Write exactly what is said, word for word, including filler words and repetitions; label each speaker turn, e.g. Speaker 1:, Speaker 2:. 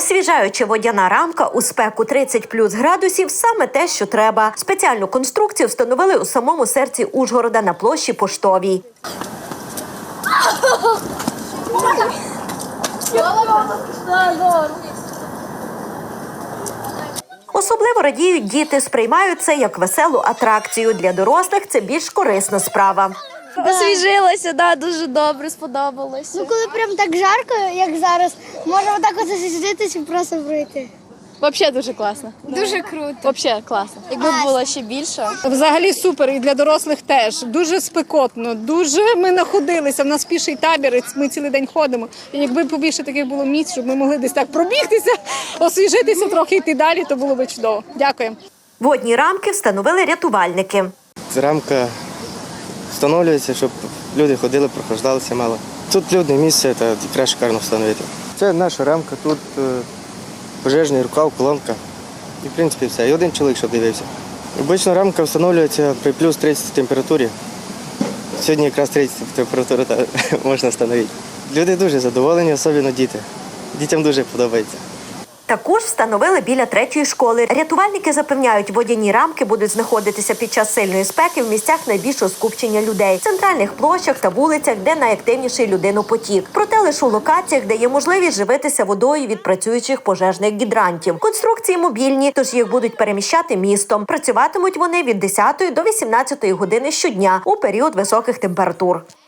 Speaker 1: Освіжаюча водяна рамка у спеку тридцять плюс градусів – саме те, що треба. Спеціальну конструкцію встановили у самому серці Ужгорода на площі Поштовій. Особливо радіють діти, сприймають це як веселу атракцію. Для дорослих це більш корисна справа.
Speaker 2: Освіжилася, да, дуже добре, сподобалося.
Speaker 3: Ну, коли прям так жарко, як зараз, можемо так ось засидітися і просто пройти.
Speaker 2: Взагалі дуже класно.
Speaker 3: Дуже круто.
Speaker 2: Взагалі класно. Якби було ще більше.
Speaker 4: Взагалі супер, і для дорослих теж. Дуже спекотно, дуже ми находилися, в нас піший табір, і ми цілий день ходимо. І якби побільше таких було місць, щоб ми могли десь так пробігтися, освіжитися, трохи йти далі, то було б чудово. Дякую.
Speaker 1: Водні рамки встановили рятувальники.
Speaker 5: Ця рамка встановлюється, щоб люди ходили, прохождалися мало. Тут людне місце, та краще шикарно встановити. Це наша рамка, тут е, пожежний рукав, колонка. І, в принципі, все. І один чоловік, щоб дивився. Обично рамка встановлюється при плюс тридцять температурі. Сьогодні якраз тридцять температура можна встановити. Люди дуже задоволені, особливо діти. Дітям дуже подобається.
Speaker 1: Також встановили біля третьої школи. Рятувальники запевняють, водяні рамки будуть знаходитися під час сильної спеки в місцях найбільшого скупчення людей – центральних площах та вулицях, де найактивніший людинопотік. Проте лише у локаціях, де є можливість живитися водою від працюючих пожежних гідрантів. Конструкції мобільні, тож їх будуть переміщати містом. Працюватимуть вони від десятої до вісімнадцятої години щодня у період високих температур.